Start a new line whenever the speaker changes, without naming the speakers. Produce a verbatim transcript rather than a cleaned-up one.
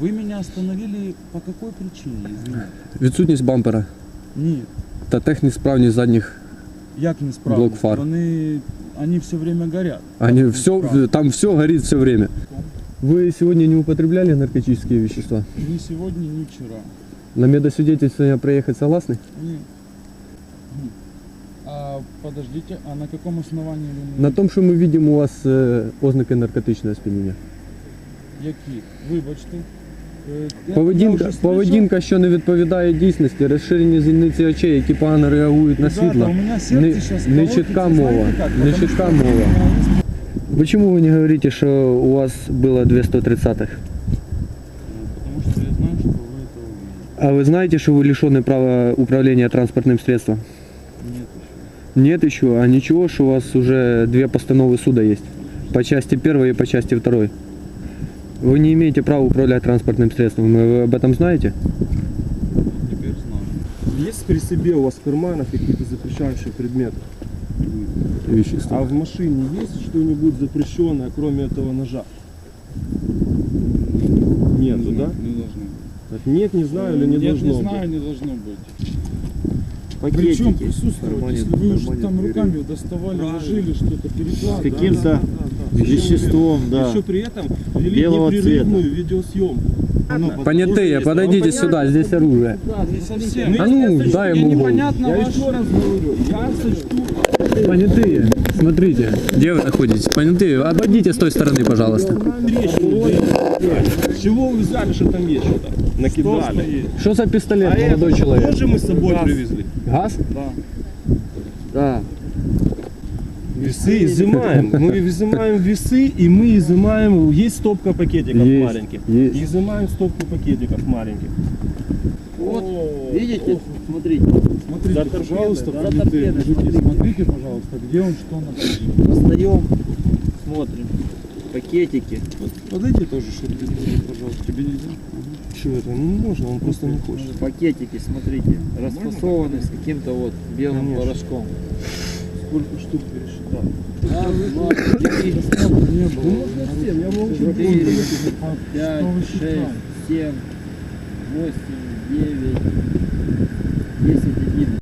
Вы меня остановили по какой причине, извините?
Відсутність бампера
Ні.
та технесправність задніх.
Як не справді?
Блок фар.
Вони, они все время горят.
Они
Как
все,
неисправно?
там все горит все время. Вы сегодня не употребляли наркотические вещества?
Ни сегодня, ни вчера.
На медосвидетельствование проехать согласны?
Ні. Ні. А подождите, а на каком основании вы...
На том, что мы видим у вас э, ознаки наркотичного сп'яніння.
Які? Вибачте. Е, я-
Поведінка,
я вже
поведінка, що не відповідає дійсності, розширені зіниці очей, які погано реагують на
Ребята,
світло.
у меня сердце
Не,
сейчас
не чітка мова. Не чітка мова. Почему вы не говорите, что у вас было две сто тридцатых?
Потому что я знаю, что вы это увидите.
А вы знаете, что вы лишены права управления транспортным средством?
Нет еще.
Нет еще, а ничего, что у вас уже две постановы суда есть. По части первой и по части второй. Вы не имеете права управлять транспортным средством. Вы об этом знаете?
Теперь знаю.
Есть при себе у вас в карманах какие-то запрещающие предметы?
Вещества.
А в машине есть что-нибудь запрещенное, кроме этого ножа? Нету, да?
Не должно быть.
Так нет, не знаю или не
Нет,
должно
не
быть?
знаю, не должно быть.
Пакетики.
Причем присутствовать,
кармане-
если вы уже
кармане
там
двери.
руками доставали, ложили что-то,
С
перекладывали.
каким-то веществом, да.
Еще при этом вели
Белого
непрерывную видеосъемку.
Понятые, подойдите сюда, здесь оружие.
Не совсем.
А ну, дай
Мне
ему голову.
непонятно
Я
ваш...
еще раз говорю, я сочту.
Понятые, смотрите, где вы находитесь? Понятые, обойдите с той стороны, пожалуйста.
С чего вы взяли, что там есть что-то? Накидали.
Что за пистолет,
А
молодой
это
человек?
тоже мы с собой привезли.
Газ?
Да.
Да.
Весы изымаем. Мы изымаем весы, и мы изымаем... Есть стопка пакетиков
Есть,
маленьких.
есть.
Изымаем стопку пакетиков маленьких.
Вот, видите, смотрите,
Смотрите,
За торпедой,
пожалуйста,
да,
понятые
за торпедой,
мужики,
смотрите.
смотрите, пожалуйста, где он, что находит.
достаем, смотрим, пакетики.
Подойди тоже, чтобы ты, пожалуйста, тебе нельзя?
Что это? Ну можно, он просто не хочет.
Пакетики, смотрите, расфасованы с каким-то вот белым
Конечно.
порошком.
Сколько штук пересчитал?
Раз, два, три,
Не было.
Ну можно всем, я могу
четыре,
А
пять,
что вы
шесть,
считаете?
семь, восемь, девять, десять, одиннадцать.